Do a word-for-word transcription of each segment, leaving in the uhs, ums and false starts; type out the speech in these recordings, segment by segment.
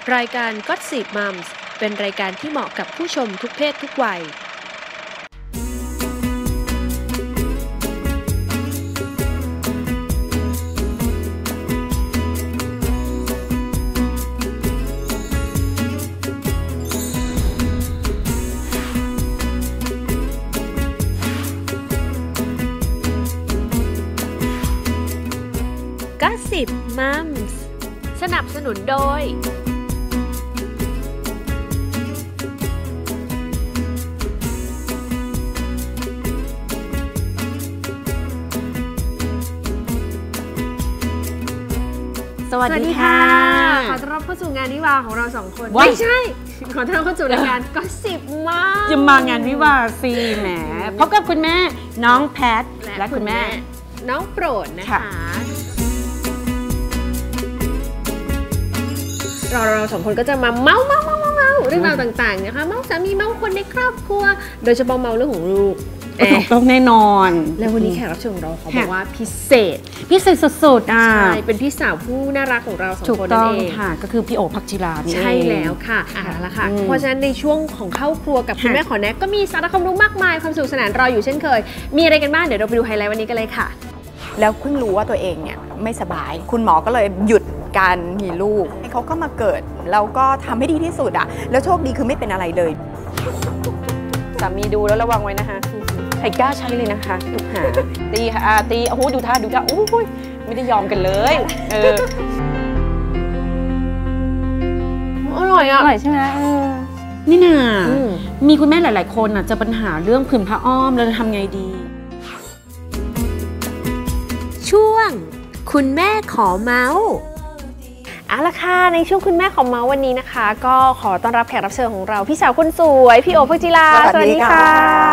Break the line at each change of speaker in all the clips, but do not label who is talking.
รายการ Gossip Moms เป็นรายการที่เหมาะกับผู้ชมทุกเพศทุกวัยGossip Moms สนับสนุนโดยสวัสดีค่ะขอต้อนรับเข้าสู่งานวิวาของเราสองคนไม่ใช่ขอต้อนรับเข้าสู่รายการ Gossip Moms
จะมางานวิวาสิแหมพบกับคุณแม่น้องแพทและคุณแม่
น้องโปรดนะคะเราเราสองคนก็จะมาเมาเมาเมาเมาเรื่องราวต่างๆนะคะเมาสามีเมาคนในครอบครัวโดยเฉพาะเมาเรื่องของลูก
ต้องแน่นอน
แล้ววันนี้แขกรับเชิญของเราเขาบอกว่าพิเศษ
พิเศษสุดๆอ่ะ
ใช่เป็นพี่สาวผู้น่ารักของเราสองคนนั่นเอง
ค่ะก็คือพี่โอภักจิรา
ใช่แล้วค่ะอ่ะละค่ะเพราะฉะนั้นในช่วงของเข้าครัวกับคุณแม่ขอแนะก็มีสาระความรู้มากมายความสนุกสนานรออยู่เช่นเคยมีอะไรกันบ้างเดี๋ยวเราไปดูไฮไลท์วันนี้กันเลยค่ะ
แล้วเพิ่งรู้ว่าตัวเองเนี่ยไม่สบายคุณหมอก็เลยหยุดการมีลูกเขาก็มาเกิดแล้วก็ทำให้ดีที่สุดอ่ะแล้วโชคดีคือไม่เป็นอะไรเลย
สามีดูแล้วระวังไว้นะคะใครกล้าใช้เลยนะคะลูกหาตีค่ะตีโอ้โหดูท่าดูท่าโอ้ยไม่ได้ยอมกันเลยเออ
อร่อยอ่ะ
อร่อยใช่ไหมนี่น่ะมีคุณแม่หลายๆคนอ่ะจะปัญหาเรื่องผื่นผ้าอ้อมเราจะทำไงดี
ช่วงคุณแม่ขอเมาส์เอาละค่ะในช่วงคุณแม่ขอเมาส์วันนี้นะคะก็ขอต้อนรับแขกรับเชิญของเราพี่สาวคนสวยพี่โอภักจิรา
สวัสดีค่ะ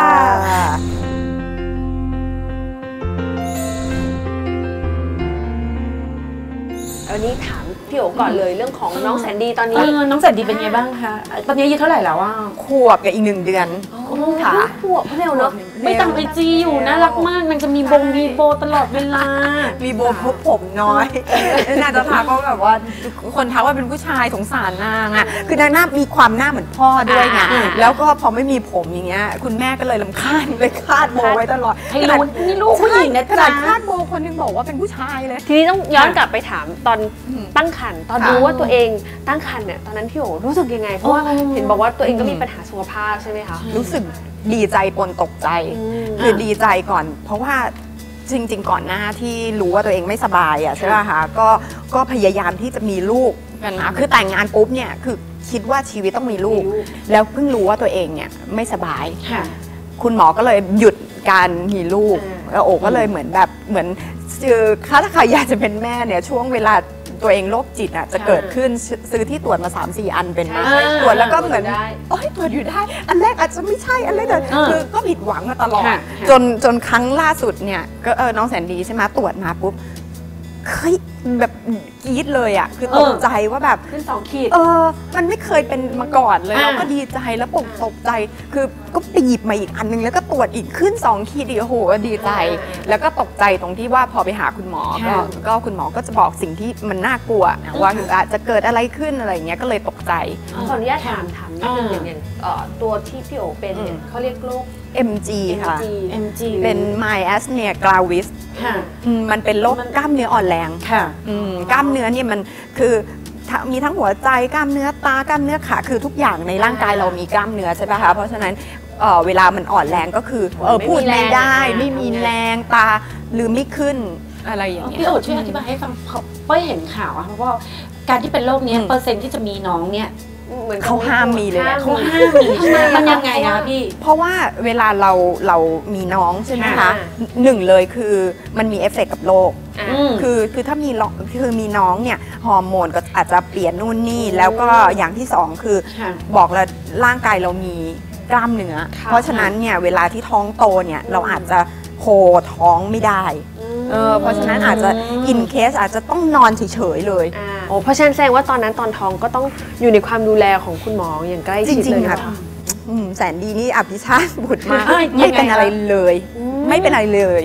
วันนี้ถามพี่โอก่อนเลยเรื่องของน้องแสนดีตอนนี้
น้องแสนดีเป็นไงบ้างคะตอนนี้อายุเท่าไหร่แล้วว่า
ขวบกับอีกหนึ่งเดือน
ค่ะขวบเร็วเนาะ
ไม่ตามไอจีอยู่น่ารักมากนางจะมีบงมีโบตลอดเวลา
มีโบพบผมน้อยน่าจะทักก็แบบว่าคนทักว่าเป็นผู้ชายสงสารนางอ่ะคือนางหน้ามีความหน้าเหมือนพ่อด้วยไงแล้วก็พอไม่มีผมอย่างเงี้ยคุณแม่ก็เลยรำคาญเลยคาดโบไว้ตลอด
ให้รู้นี่ลูกผู้หญิงนะ
ขนาดคาดโบคนนึงบอกว่าเป็นผู้ชายเลย
ทีนี้ต้องย้อนกลับไปถามตอนตั้งครรภ์ตอนรู้ว่าตัวเองตั้งครรภ์เนี่ยตอนนั้นพี่โอรู้สึกยังไงเพราะว่าเห็นบอกว่าตัวเองก็มีปัญหาสุขภาพใช่ไหมคะ
รู้สึกดีใจปนตกใจคือดีใจก่อนเพราะว่าจริงๆก่อนหน้าที่รู้ว่าตัวเองไม่สบายอ่ะใช่ไหมคะก็ก็พยายามที่จะมีลูกกันนะคือแต่งงานปุ๊บเนี่ยคือคิดว่าชีวิตต้องมีลูกแล้วเพิ่งรู้ว่าตัวเองเนี่ยไม่สบายคุณหมอก็เลยหยุดการมีลูกแล้วโอก็เลยเหมือนแบบเหมือนคือถ้าใครอยากจะเป็นแม่เนี่ยช่วงเวลาตัวเองโรคจิตอ่ะจะเกิดขึ้นซื้อที่ตรวจมา สามสี่ อันเป็นมาตรวจแล้วก็เหมือนโอ้ยตรวจอยู่ได้อันแรกอาจจะไม่ใช่อันแรกคือก็ผิดหวังมาตลอดจนจนครั้งล่าสุดเนี่ยก็เออน้องแสนดีใช่ไหมตรวจมาปุ๊บเฮ้ยแบบกรี๊ดเลยอ่ะคือตกใจว่าแบบ
ขึ้นสองขีด
เออมันไม่เคยเป็นมาก่อนเลยแล้วก็ดีใจแล้วปกตกใจคือก็ไปหยิบมาอีกอันนึงแล้วก็ตรวจอีกขึ้นสองขีดอีกโอ้โหดีใจแล้วก็ตกใจตรงที่ว่าพอไปหาคุณหมอก็ก็คุณหมอก็จะบอกสิ่งที่มันน่ากลัวว่าอาจจะเกิดอะไรขึ้นอะไรเงี้ยก็เลยตกใจ
ขออนุญาตถามถามนิดนึงอย่างอย่างตัวที่พี่โอเป็นเนี่ยเขาเรียกโรค
เอ็ม จี ค่ะ เอ็ม จี เป็น myasthenia gravis มันเป็นโรคกล้ามเนื้ออ่อนแรงกล้ามเนื้อเนี่ยมันคือมีทั้งหัวใจกล้ามเนื้อตากล้ามเนื้อขาคือทุกอย่างในร่างกายเรามีกล้ามเนื้อใช่ไหมคะเพราะฉะนั้นเวลามันอ่อนแรงก็คือพูดไม่ได้ไม่มีแรงตาลืมไม่ขึ้นอะไรอย่างเงี้ย
พี่โอช่วยอธิบายให้ฟังเพราะเห็นข่าวอะเพราะว่าการที่เป็นโรคนี้เปอร์เซ็นต์ที่จะมีน้องเนี่ย
เขาห้ามมีเลย
เขาห้ามมีมันยังไงอะพี่
เพราะว่าเวลาเราเรามีน้องใช่ไหมคะหนึ่งเลยคือมันมีเอฟเฟกต์กับโรคคือคือถ้ามีคือมีน้องเนี่ยฮอร์โมนก็อาจจะเปลี่ยนนู่นนี่แล้วก็อย่างที่สองคือบอกแล้วร่างกายเรามีกล้ามเนื้อเพราะฉะนั้นเนี่ยเวลาที่ท้องโตเนี่ยเราอาจจะโฮท้องไม่ได้เออเพราะฉะนั้นอาจจะอินเคสอาจจะต้องนอนเฉยๆเลย
โอ้เพราะฉะนั้นแสดงว่าตอนนั้นตอนท้องก็ต้องอยู่ในความดูแลของคุณหมออย่างใกล้ชิดเลยค่ะ
แสนดีนี่อภิชาติบุตรมากไม่เป็นอะไรเลยไม่เป็นอะไรเลย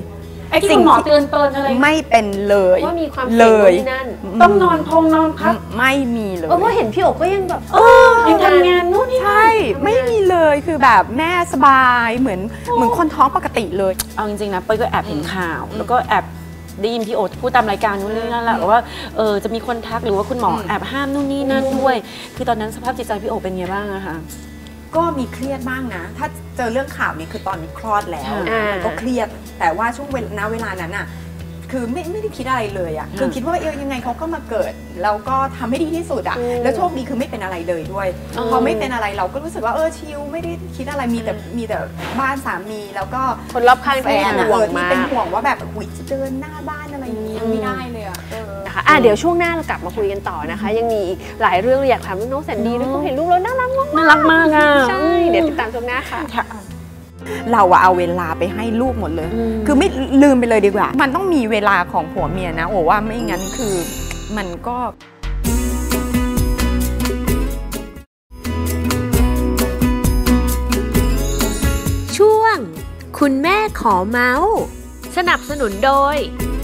ไอ้ที่คุณหมอเตือนเตือนอะไร
ไม่เป็นเลย
ว่ามีความ
เล
เสี่ยง
ย
ที่นั่น
ต้องนอนพงนอนพัก
ไม่มีเลย
เออเพราะเห็นพี่โอ๋ก็ยังแบบ
เออยังทำงานนู่นนี่
ใช่ไม่มีเลยคือแบบแม่สบายเหมือนเหมือนคนท้องปกติเลย
เอาจริงๆนะเป้ยก็แอบเห็นข่าว แล้วก็แอบได้ยินพี่โอ๊ตพูดตามรายการนู้นนี่นั่นแหละว่าเออจะมีคนทักหรือว่าคุณหมอแอบห้ามนู่นนี่นั่นด้วย คือตอนนั้นสภาพจิตใจพี่โอ๊ตเป็นไงบ้างอะคะ
ก็มีเครียดบ้างนะ ถ้าเจอเรื่องข่าวนี้คือตอนนี้คลอดแล้ว
อ่ามั
มันก็เครียด แต่ว่าช่วงเวลาเวลานั้นอ่ะคือไม่ไม่ได้คิดอะไรเลยอ่ะคือคิดว่าเออยังไงเขาก็มาเกิดแล้วก็ทำให้ดีที่สุดอ่ะแล้วโชคดีคือไม่เป็นอะไรเลยด้วยพอไม่เป็นอะไรเราก็รู้สึกว่าเออชิลไม่ได้คิดอะไรมีแต่มีแต่บ้านสามีแล้วก็
คนรอบข้าง
แฟ
ที่
น
ห่ว
เอง อที่
มาก
เป็นห่วงว่าแบบอุ้ยจะเดินหน้าบ้านอะไรอย่างนี้ยังไม่ได้เลยอ่ะเออ
นะคะอ่ะเดี๋ยวช่วงหน้าเรากลับมาคุยกันต่อนะคะ ยังมีอีกหลายเรื่องเลยอยากถามน้องแสนดีด้วยเขาเห็นลูกแล้วน่ารักมาก
น่ารักมากอะ
ใช่เดี๋ยวติดตามช่วงหน้าค่ะ
เราอะเอาเวลาไปให้ลูกหมดเลย คือไม่ลืมไปเลยดีกว่า มันต้องมีเวลาของผัวเมียนะโอ้ว่าไม่งั้นคือมันก็
ช่วงคุณแม่ขอเมาส์สนับสนุนโดย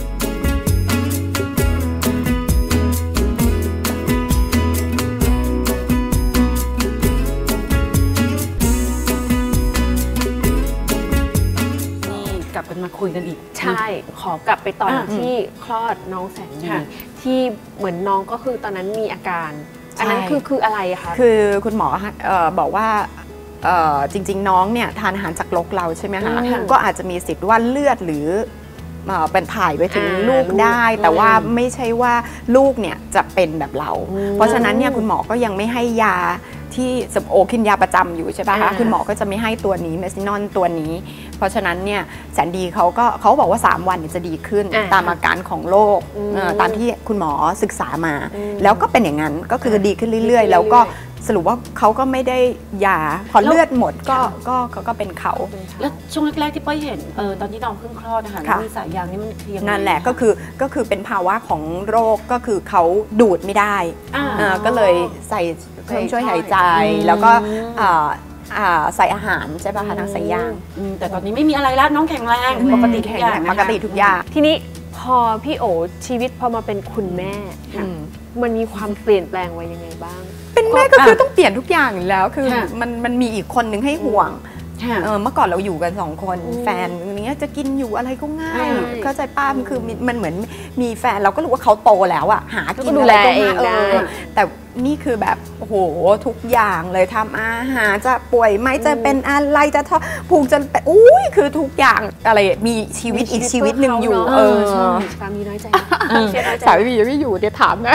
กลับกันมาคุยกันอีก
ใช่ ขอกลับไปตอน
อ่ะ
ที่คลอดน้องแสนดี
ค่ะ
ที่เหมือนน้องก็คือตอนนั้นมีอาการ อันนั้น
ใช่
คือคืออะไรคะ
คือคุณหมอเอ่อบอกว่าเอ่อจริง ๆ น้องเนี่ยทานอาหารจากรกเราใช่ไหมคะ
อืม
ก็อาจจะมีสิทธิ์ว่าเลือดหรือเอ่อเป็นถ่ายไปถึง
อ่า
ลูกได้
ลูก
แต่ว่า
อืม
ไม่ใช่ว่าลูกเนี่ยจะเป็นแบบเรา
อืม
เพราะฉะนั้นเนี่ยคุณหมอก็ยังไม่ให้ยาที่สมโอกินยาประจำอยู่ใช่ปะคะ
อ่า
คุณหมอก็จะไม่ให้ตัวนี้เมซินอนตัวนี้ เพราะฉะนั้นเนี่ยแสนดีเขาก็เขาบอกว่าสามวันเนี่ยจะดีขึ้น
อ่า
ตามอาการของโรค
อืม
เอ่อตามที่คุณหมอศึกษามา
อืม
แล้วก็เป็นอย่างนั้นก็คือดีขึ้นเรื่อย ๆ แล้วก็สรุปว่าเขาก็ไม่ได้ยาพอเลือดหมดก็ก็ก็ก็เป็นเขา
แล้วช่วงแรกๆที่เป้ยเห็นเออตอนที่น้องเพิ่งคลอดนะคะ
ค่ะ
มีสายยางนี่มันคือยังไง
นั่นแหละก็คือก็คือเป็นภาวะของโรคก็คือเขาดูดไม่ได้
อ่า
เอ่อก็เลยใส่เครื่องช่วยหายใจ แล้วก็เอ่ออ่าใส่อาหารใช่ป่ะคะทางสายยาง
อืมแต่ตอนนี้ไม่มีอะไรแล้วน้องแข็งแรงปกติทุกอย่างนะคะ
ปกติทุกอย่าง
ทีนี้พอพี่โอชีวิตพอมาเป็นคุณแม่
อืม
มันมีความเปลี่ยนแปลงไว้ยังไงบ้าง
เป็นแม่ก็คือต้องเปลี่ยนทุกอย่างอยู่แล้วคือ
ค่ะ
มันมันมีอีกคนหนึ่งให้ห่วง
ค่ะ
เออเมื่อก่อนเราอยู่กันสองคน
อืม
แฟนอย่างเงี้ยจะกินอยู่อะไรก็ง่าย
ใช่
เข้าใจป้ามันคือมีมันเหมือนมีแฟนเราก็รู้ว่าเขาโตแล้วอะหากิน
ก็ดู
อะ
แล
ไรก็
เอง
ง่าย
ได้
เออแต่นี่คือแบบโอ้โหทุกอย่างเลยทำอาหารจะป่วยไหมจะเป็นอะไรจะท้องผูกจะเป็นอุ้ยคือทุกอย่างอะไรมีชีวิตอีกชีวิตหนึ่งอยู่
เอ
เอ
อ
อ
ใช่สามีน้อยใจเชียร์น้อยใจ
สามียังไม่อยู่เดี๋ยวถามนะ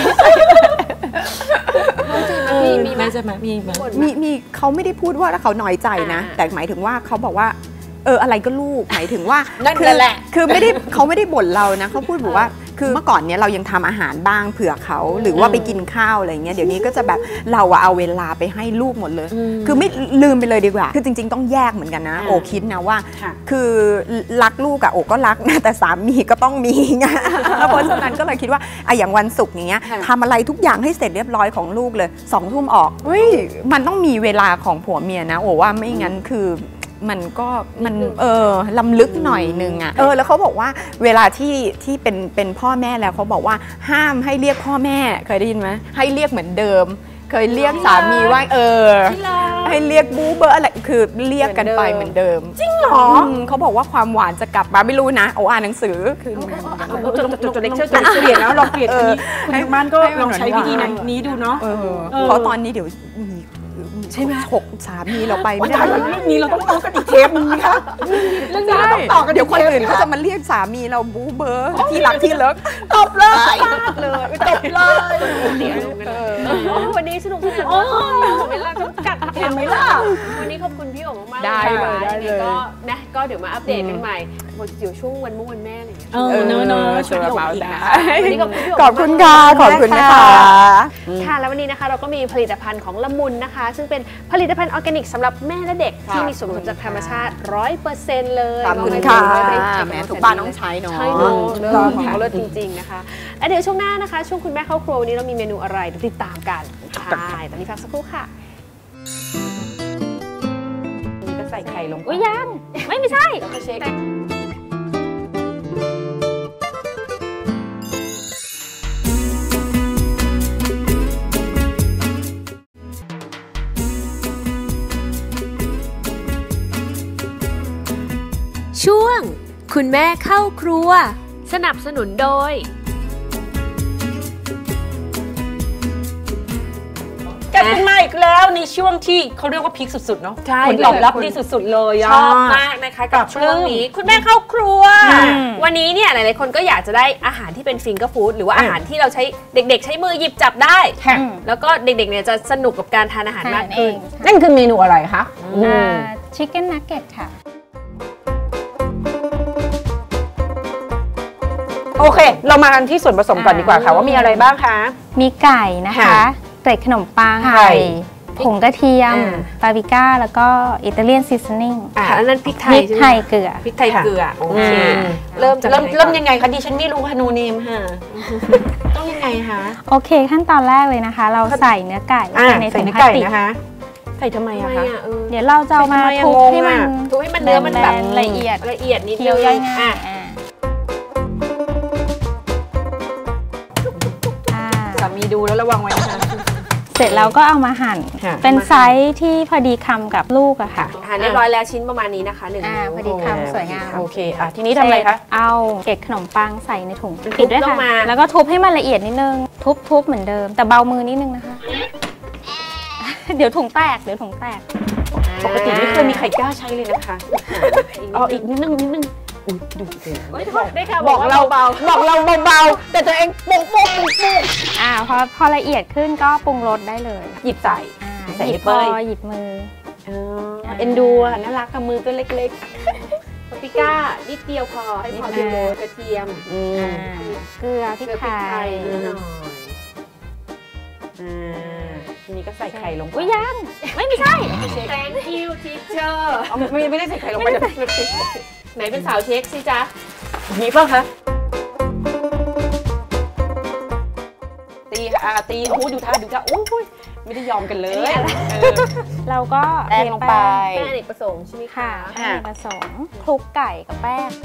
น้อยใจไหม
เออ
พี่มีไหม
ใช่ไหมมีไหม
บ่นไห
มีมีเขาไม่ได้พูดว่าเขาน้อยใจนะ
อ่า
แต่หมายถึงว่าเขาบอกว่าเอออะไรก็ลูกหมายถึงว่า
นั่น
คือ
แหละ
คือไม่ได้เขาไม่ได้บ่นเรานะเขาพูดบอกว่าคือเมื่อก่อนเนี้ยเรายังทำอาหารบ้างเผื่อเขาหรือว่าไปกินข้าวอะไรเงี้ยเดี๋ยวนี้ก็จะแบบเราอะเอาเวลาไปให้ลูกหมดเลย คือไม่ลืมไปเลยดีกว่า คือจริง ๆ ต้องแยกเหมือนกันนะ
อ่า
โอคิดนะว่า
ค่ะ
คือรักลูกอะโอก็รักนะแต่สามีก็ต้องมีไงเพราะฉะนั้นก็เลยคิดว่าอะอย่างวันศุกร์อย่างเงี้ย
ค่ะ
ทำอะไรทุกอย่างให้เสร็จเรียบร้อยของลูกเลยสองทุ่มออกเฮ้ยมันต้องมีเวลาของผัวเมียนะโอว่าไม่งั้นคือมันก็มันเออลำลึกหน่อยนึงอะเออแล้วเขาบอกว่าเวลาที่ที่เป็นเป็นพ่อแม่แล้วเขาบอกว่าห้ามให้เรียกพ่อแม่เคยได้ยินไหมให้เรียกเหมือนเดิม เคยเรียกสามีว่าเออ ให้เรียกบูเบอร์อะไรคือเรียกกันไปเหมือนเดิมจริงเหรอเขาบอกว่าความหวานจะกลับมาไม่รู้นะโอ้อ่านหนังสือคือ
จดจดเลคเชอร์จดเปลี่ยนแล้วลองเปลี่ยนอันนี้คุณทางบ้านก็ลองใช้วิธีนี้ดูเนาะ
เออ
เออ
เพราะตอนนี้เดี๋ยวมี
ใช่ไหม
ฉกสามีเราไป
ว่า
ไม่
ถ่าย
ได้
เรื่องนี้เราต้องต่อกันอีกเทปนึงนะคะเรื่องนี้เราต้องต่อกัน
เดี๋ยวคนอื่นเขาจะมาเรียกสามีเราบูเบอร์ที่รักที่เลิกตบเลยเลยตบเลย
เดี๋ยวดูกันโอ้วันนี้สนุกสนานมากเวลาจำกัด
เห็นไหมล่ะ
วันนี้ขอบคุณพี่โอ๋มากๆ
ได้เลย
นะคะ
ได้เลย
ก็นะก็เดี๋ยวมาอัปเดตกันใหม่เดี๋ยวช่วงวันมุ่งวันแม่อะไรอย่างเงี้ย
เออเนอะเนอะช่วยพี่โอ๋อีกนะ
วันนี้ขอบคุณพี่โอ๋
ขอบคุณค่ะขอบคุณนะคะ
ค่ะแล้ววันนี้นะคะเราก็มีผลิตภัณฑ์ของละมุนนะคะ ซึ่งเป็นผลิตภัณฑ์ออร์แกนิกสำหรับแม่และเด็กที่มีส่วนผสมจากธรรมชาติ ร้อยเปอร์เซ็นต์ เลย
ขอบคุณ
ม
ค่ะ
ให้ดูได้
แหมทุกบ้านต้องใช้เนอะ
ใช่เนาะเลิศ
ต้อง
ของ
ค่ะ
เขาเลิศจริงๆนะคะและเดี๋ยวช่วงหน้านะคะช่วงคุณแม่เข้าครัววันนี้เรามีเมนูอะไรเดี๋ยวติดตามกันใช่ตอนนี้พักสักครู่ค่ะ
นี่ก็ใส่ไข่ลงไป
อุ้ยยังไม่ไม่ใช่เราก็เช็คคุณแม่เข้าครัวสนับสนุนโดย
กลับมาอีกแล้วในช่วงที่เขาเรียกว่าพีคสุดๆเนาะ
ใช่
ผลตอบรับดีสุดๆเลยอะ
ชอบมากนะคะกับช่วงนี้คุณแม่เข้าครัววันนี้เนี่ยหลายๆคนก็อยากจะได้อาหารที่เป็นฟิงเกอร์ฟู้ดหรือว่าอาหารที่เราใช้เด็กๆใช้มือหยิบจับได้แล้วก็เด็กๆเนี่ยจะสนุกกับการทานอาหารมากขึ้น
นั่นคือเมนูอะไรคะ
ชิคเก้นนักเก็ตค่ะ
โอเคเรามากันที่ส่วนผสมก่อนดีกว่าค่ะว่ามีอะไรบ้างคะ
มีไก่นะคะเกล็ดขนมปัง
ไข่
ผงกระเทียม
อ่า
ปาปริก้าแล้วก็อิตาเลียนซีซันนิ่ง
อ่ะอันนั้นพริกไท
พ
ย
ริก
ใช่ไหม
ไทยเกลือ
พริกไทยเกลือโอเค
อืม
เริ่มจาก
เริ่ม
ไหนก่อน
เริ่มยังไงคะดิฉันไม่รู้ค่ะนูเนมค่ะ ต้องยังไงคะ
โอเคขั้นตอนแรกเลยนะคะ เราใส่เนื้อไก่ลง
อ่า
ไปใน
ใส่
ถุง
เนื้อ
พลาส
ไก่
ติก
นะคะ ใส่ทำไม
ทำ
อะ
ไม
คะ
อ่ะเออ
เดี๋ยวเราจะเอามา
ทำไมอะ
ทุบ
งง
ให้มัน
อะ
ทุบให้มันเนื้อมันแบบ
แบนๆละเอียด
ละเอียดนิดนึง
เคี้ยวย่อยง่าย
อ่ะ
อ่าอ่า
สามีดูแล้วระวังไว้นะคะ
เสร็จแล้วก็เอามาหั่น
ค่ะ
เป็นไซส์ที่พอดีคำกับลูกอะค่ะ
อาหารเรียบร้อยแล้วชิ้นประมาณนี้นะคะหนึ่ง
อ่า
นิ้ว
พอดีคำสวยงาม
โอเคอ่ะทีนี้ทำอะไรคะ
เอาเกล็ดขนมปังใส่ในถุง
ทุบ
ปิดด้วย
ล
ค่ะ
งมา
แล้วก็ทุบให้มันละเอียดนิดนึง ทุบทุบเหมือนเดิม แต่เบามือนิดนึงนะคะ เดี๋ยวถุงแตก เดี๋ยวถุงแตก
ปกติไม่เคยมีใครกล้าใช้เลยนะคะเอาอีกนิดนึงนิดนึงอุ๊ยดูสิ
โอ้ยได้ค่ะ
บอกเราเบาบอกเราเบาๆแต่ตัวเองโป๊กโป๊กโป๊กโป๊ก
อ่าพอพอละเอียดขึ้นก็ปรุงรสได้เลย
หยิบใส่
อ่า
ใส่
หยิบ
เป
พ
ย
อหยิบมือ
เออเอ็นดูอ่ะน่ารักกับมือตัวเล็ก
ปาปริก้านิดเดียวพอให้พอเดียวโรยกระเทียม
ๆอืม
อ่าเกลือพริก
เกลือพริก
ไท
ไทย
ย
นิดหน่อย
อ่าทีนี้ก็ใส่ไข่ลงไป
อุ้ยยัง ไม่ไม่ใช่
Thank you teacher
เอาไม่ไม่ได้ใส่ไข่ลงไปเดี๋ยว
ไหนเป็นสาวเช็คสิจ๊ะ
มีป่ะคะตีค่ะอ่าตีโอ้โหดูท่าดูท่าโอ้ยไม่ได้ยอมกันเลย
เราก็
แป้งลงไป
แป้งอเนกประสงค์ใช่ไหม
ค่ะ
คะ
แป้งผสมคลุกไก่กับแป้ง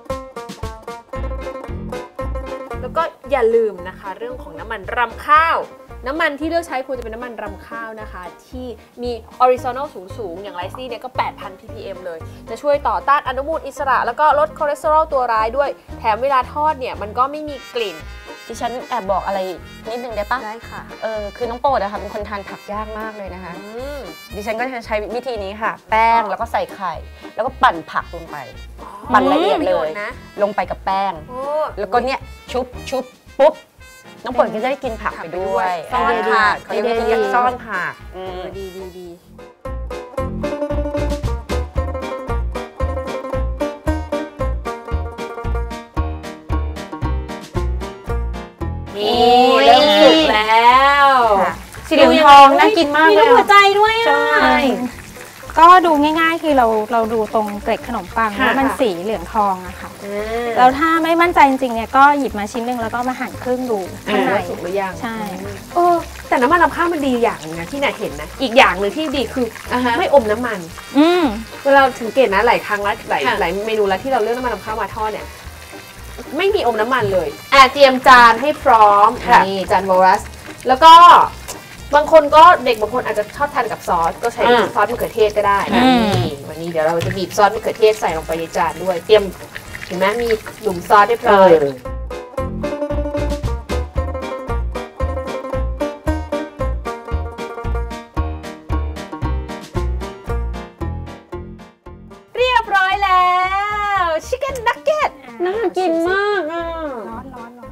แล้วก็อย่าลืมนะคะเรื่องของน้ำมันรำข้าว น้ำมันที่เลือกใช้ควรจะเป็นน้ำมันรำข้าวนะคะ ที่มีออริซอนอลสูงๆ อย่างไรซี่เนี่ยก็ แปดพัน พี พี เอ็ม เลย จะช่วยต่อต้านอนุมูลอิสระ แล้วก็ลดคอเลสเตอรอลตัวร้ายด้วย แถมเวลาทอดเนี่ยมันก็ไม่มีกลิ่น
ดิฉันแอบบอกอะไรนิดนึงได้ปะ
ได้ค่ะ
เออคือน้องโปรดอะค่ะเป็นคนทานผักยากมากเลยนะคะ
อืม
ดิฉันก็จะใช้วิธีนี้ค่ะ แป้งแล้วก็ใส่ไข่ แล้วก็ปั่นผักลงไป ปั่นละเอียดเลย
นะ
ลงไปกับแป้ง
โอ้
แล้วก็เนี่ยชุบชุบปุ๊บน้องโปรดก็จะได้กินผักไปด้วย
ซ่อนผัก
เขาเรียกว่าวิธีซ่อนผักอื
เอ
ม
อดีดีดีนี่เริ่มสุกแล้ว
สีเหลืองทองน่ากินมากเลย
มีรูปหัวใจด้วยอ่ะ
ใช่
ก็ดูง่ายๆ คือเราเราดูตรงเกล็ดขนมปัง
ค่ะ
ว่ามันสีเหลืองทองอะค่ะ
อ่า
แล้วถ้าไม่มั่นใจจริงๆ เนี่ยก็หยิบมาชิ้นหนึ่งแล้วก็มาหั่นครึ่งดูข้างใน
ว่าสุกหรือยัง
ใช่
เออแต่น้ำมันรำข้าวมันดีอย่างหนึงนะที่น่าเห็นนะ อีกอย่างหนึ่งที่ดีคืออ
อ่าฮะ
ไม่อมน้ำมัน
อืม
เวลาสังเกตนะหลายครั้งแล้วหลาย
ค่ะ
หลายเมนูแล้วที่เราเลือกน้ำมันรำข้าวมาทอดเนี่ยไม่มีอมน้ำมันเลยอ่ะเตรียมจานให้พร้อม
ค่ะ
นี่จานวอรัส แล้วก็บางคนก็เด็กบางคนอาจจะชอบทานกับซอสก็ใช้ซอสมะเขือเทศก็ได้
อืม
นี่วันนี้เดี๋ยวเราจะบีบซอสมะเขือเทศใส่ลงไปในจานด้วย เตรียมเห็นไหมมีหลุมซอสเรียบ
เอ
ร้อย
อ
เรียบร้อยแล้วชิคเก้นนักเก็ต
น่ากินมากอ่ะ
ร้อนร้อนร้อน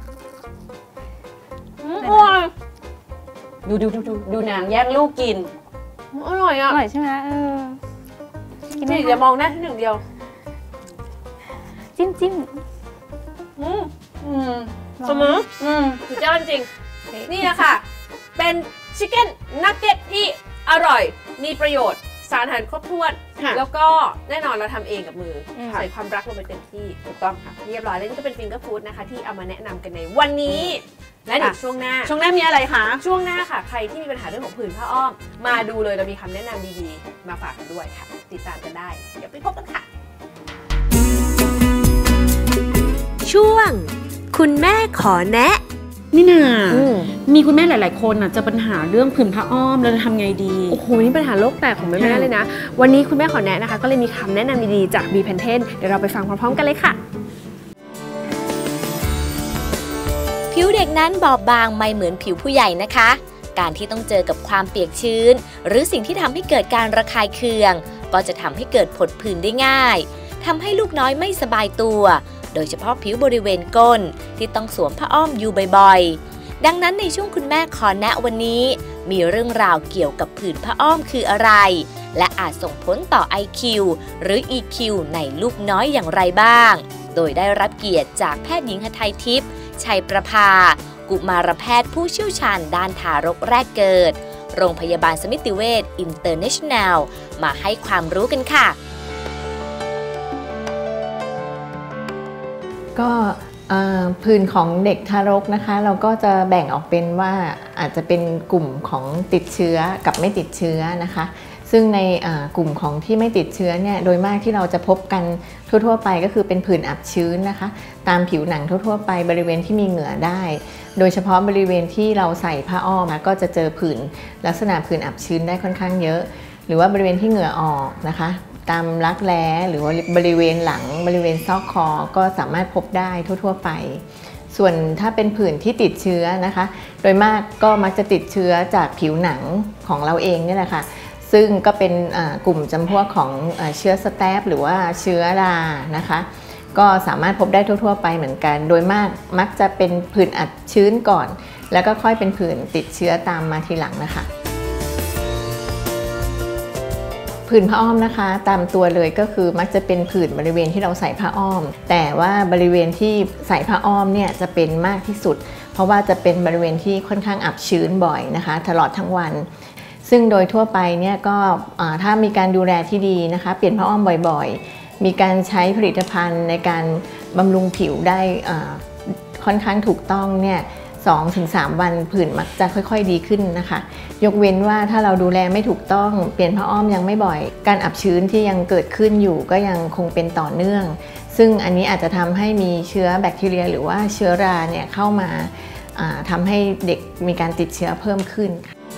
อร่อย
ดูดูดูดูดูนางแย่งลูกกิน
อร่อย
อ
อ่ะ
ร่อยใช่ไหมเออกินไหม
นี่
คะ
อย่ามองหน้าที่หนึ่งเดียว
จิ้มจิ้ม
อืม
อืม
เสมอ
อืม
สุดยอดจริง นี่นะคะเป็นชิคเก้นนักเก็ตที่อร่อย มีประโยชน์ สารอาหารครบถ้วน
ค่ะ
แล้วก็แน่นอนเราทำเองกับมืออ
ม
ใส่ความรักลงไปเต็มที่
ถูกต้องค่ะ
เรียบร้อยแล้วนี่ก็เป็นฟิงเกอร์ฟู้ดนะคะที่เอามาแนะนำกันในวันนี้ และเดี๋ยว
ค่ะ
ช่วงหน้า
ช่วงหน้ามีอะไรคะ
ช่วงหน้าค่ะ ใครที่มีปัญหาเรื่องของผื่นผ้าอ้อม มาดูเลยเรามีคำแนะนำดีๆ มาฝากกันด้วยค่ะ ติดตามกันได้ เดี๋ยวไปพบกันค่ะ
ช่วง คุณแม่ขอแนะ
นี่นา
อืม
มีคุณแม่หลาย ๆ คนอ่ะเจะปัญหาเรื่องผื่นผ้าอ้อมเราจะทำไงดี
โอ้โห นี่ปัญหาโลกแตกของแม่ๆเลยนะ วันนี้คุณแม่ขอแนะนะคะ ก็เลยมีคำแนะนำดีๆจาก บี Pantene เดี๋ยวเราไปฟังพร้อมๆกันเลยค่ะ
ผิวเด็กนั้นบอบบางไม่เหมือนผิวผู้ใหญ่นะคะ การที่ต้องเจอกับความเปียกชื้น หรือสิ่งที่ทำให้เกิดการระคายเคือง ก็จะทำให้เกิดผดผื่นได้ง่ายทำให้ลูกน้อยไม่สบายตัว โดยเฉพาะผิวบริเวณก้นที่ต้องสวมผ้าอ้อมอยู่บ่อยๆ ดังนั้นในช่วงคุณแม่ขอแนะวันนี้ มีเรื่องราวเกี่ยวกับผื่นผ้าอ้อมคืออะไร และอาจส่งผลต่อ ไอ คิว หรือ อี คิว ในลูกน้อยอย่างไรบ้าง โดยได้รับเกียรติจากแพทย์หญิงหทัยทิพย์ชัยประภากุมารแพทย์ผู้เชี่ยวชาญด้านทารกแรกเกิด โรงพยาบาลสมิติเวชอินเตอร์เนชั่นแนลมาให้ความรู้กันค่ะ
ก็เอ่อผื่นของเด็กทารกนะคะ เราก็จะแบ่งออกเป็นว่าอาจจะเป็นกลุ่มของติดเชื้อกับไม่ติดเชื้อนะคะ ซึ่งในกลุ่มของที่ไม่ติดเชื้อเนี่ยโดยมากที่เราจะพบกันทั่วๆไปก็คือเป็นผื่นอับชื้นนะคะ ตามผิวหนังทั่วๆไปบริเวณที่มีเหงื่อได้ โดยเฉพาะบริเวณที่เราใส่ผ้าอ้อมก็จะเจอผื่นลักษณะผื่นอับชื้นได้ค่อนข้างเยอะ หรือว่าบริเวณที่เหงื่อออกนะคะตามรักแร้หรือว่าบริเวณหลังบริเวณซอกคอก็สามารถพบได้ทั่วๆไปส่วนถ้าเป็นผื่นที่ติดเชื้อนะคะโดยมากก็มักจะติดเชื้อจากผิวหนังของเราเองนี่แหละค่ะซึ่งก็เป็นกลุ่มจำพวกของเชื้อสแตปหรือว่าเชื้อรานะคะก็สามารถพบได้ทั่วๆไปเหมือนกันโดยมากมักจะเป็นผื่นอับชื้นก่อนแล้วก็ค่อยเป็นผื่นติดเชื้อตามมาทีหลังนะคะผื่นผ้าอ้อมนะคะตามตัวเลยก็คือมักจะเป็นผื่นบริเวณที่เราใส่ผ้าอ้อมแต่ว่าบริเวณที่ใส่ผ้าอ้อมเนี่ยจะเป็นมากที่สุดเพราะว่าจะเป็นบริเวณที่ค่อนข้างอับชื้นบ่อยนะคะตลอดทั้งวันซึ่งโดยทั่วไปเนี่ยก็ถ้ามีการดูแลที่ดีนะคะเปลี่ยนผ้าอ้อมบ่อยๆมีการใช้ผลิตภัณฑ์ในการบำรุงผิวได้ค่อนข้างถูกต้องเนี่ยสองถึงสาม วันผื่นมักจะค่อยๆดีขึ้นนะคะยกเว้นว่าถ้าเราดูแลไม่ถูกต้องเปลี่ยนผ้าอ้อมยังไม่บ่อยการอับชื้นที่ยังเกิดขึ้นอยู่ก็ยังคงเป็นต่อเนื่องซึ่งอันนี้อาจจะทำให้มีเชื้อแบคทีเรียหรือว่าเชื้อราเนี่ยเข้ามาทำให้เด็กมีการติดเชื้อเพิ่มขึ้น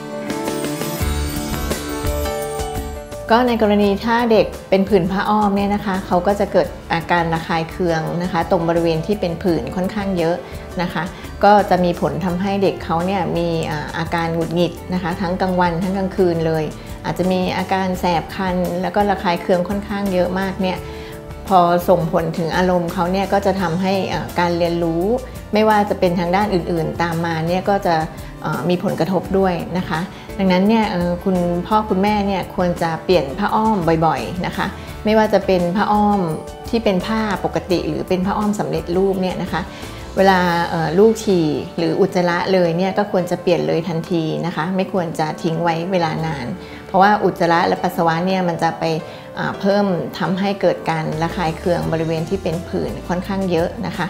ก็ในกรณีถ้าเด็กเป็นผื่นผ้าอ้อมเนี่ยนะคะเขาก็จะเกิดอาการระคายเคืองนะคะตรงบริเวณที่เป็นผื่นค่อนข้างเยอะนะคะก็จะมีผลทำให้เด็กเขาเนี่ยมีอาการหงุดหงิดนะคะทั้งกลางวันทั้งกลางคืนเลยอาจจะมีอาการแสบคันแล้วก็ระคายเคืองค่อนข้างเยอะมากเนี่ยพอส่งผลถึงอารมณ์เขาเนี่ยก็จะทำให้การเรียนรู้ไม่ว่าจะเป็นทางด้านอื่นๆตามมาเนี่ยก็จะมีผลกระทบด้วยนะคะดังนั้นเนี่ยคุณพ่อคุณแม่เนี่ยควรจะเปลี่ยนผ้าอ้อมบ่อยๆนะคะไม่ว่าจะเป็นผ้าอ้อมที่เป็นผ้าปกติหรือเป็นผ้าอ้อมสำเร็จรูปเนี่ยนะคะเวลาลูกฉี่หรืออุจจาระเลยเนี่ยก็ควรจะเปลี่ยนเลยทันทีนะคะไม่ควรจะทิ้งไว้เวลานานเพราะว่าอุจจาระและปัสสาวะเนี่ยมันจะไปเพิ่มทำให้เกิดการระคายเคืองบริเวณที่เป็นผื่นค่อนข้างเยอะนะคะ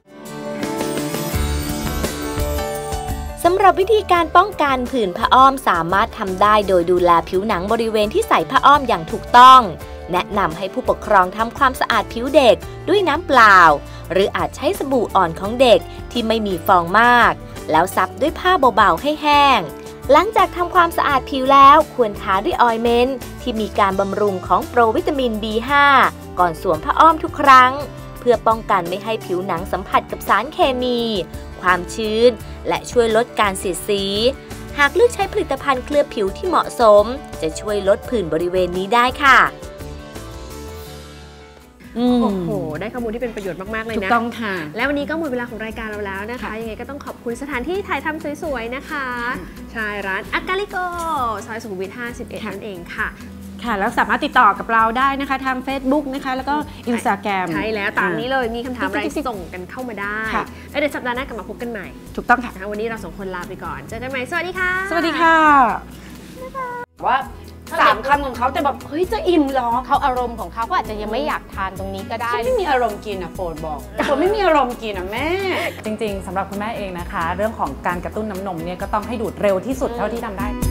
สำหรับวิธีการป้องกันผื่นผ้าอ้อมสามารถทำได้โดยดูแลผิวหนังบริเวณที่ใส่ผ้าอ้อมอย่างถูกต้องแนะนำให้ผู้ปกครองทำความสะอาดผิวเด็กด้วยน้ำเปล่าหรืออาจใช้สบู่อ่อนของเด็กที่ไม่มีฟองมากแล้วซับด้วยผ้าเบาๆให้แห้งหลังจากทำความสะอาดผิวแล้วควรทาด้วยออยล์เมนต์ที่มีการบำรุงของโปรวิตามิน บี ห้า ก่อนสวมผ้าอ้อมทุกครั้งเพื่อป้องกันไม่ให้ผิวหนังสัมผัสกับสารเคมีความชื้นและช่วยลดการเสียดสีหากเลือกใช้ผลิตภัณฑ์เคลือบผิวที่เหมาะสมจะช่วยลดผื่นบริเวณนี้ได้ค่ะ
โอ้โหได้ข้อมูลที่เป็นประโยชน์มากๆเลยนะ
ถูกต้องค่ะ
และวันนี้ก็หมดเวลาของรายการเราแล้วนะคะยังไงก็ต้องขอบคุณสถานที่ถ่ายทำสวยๆนะคะใช่ร้านอากาลิโกซอยสุขุมวิทห้าสิบเอ็ดนั่นเองค่ะ
ค่ะแล้วสามารถติดต่อกับเราได้นะคะทาง Facebook นะคะแล้วก็ Instagram
ใช่แล้วตามนี้เลยมีคำถามอะไรส่งกันเข้ามาได้แล้วเดี๋ยวสัปดาห์หน้ากลับมาพบกันใหม่
ถูกต้องค่ะ
วันนี้เราสองคนลาไปก่อนเจอกันใหม่สวัสดีค่ะ
สวัสดีค่ะว่าสามคำของเขาแต่แบบเฮ้ยจะอิ่มหรอ
เขาอารมณ์ของเขาก็อาจจะยังไม่อยากทานตรงนี้ก็ได้
ฉันไม่มีอารมณ์กินอ่ะโปรดบอกแต่ผมไม่มีอารมณ์กินอ่ะแม่
จริงๆสำหรับคุณแม่เองนะคะเรื่องของการกระตุ้นน้ำนมเนี่ยก็ต้องให้ดูดเร็วที่สุดเท่าที่ทำได้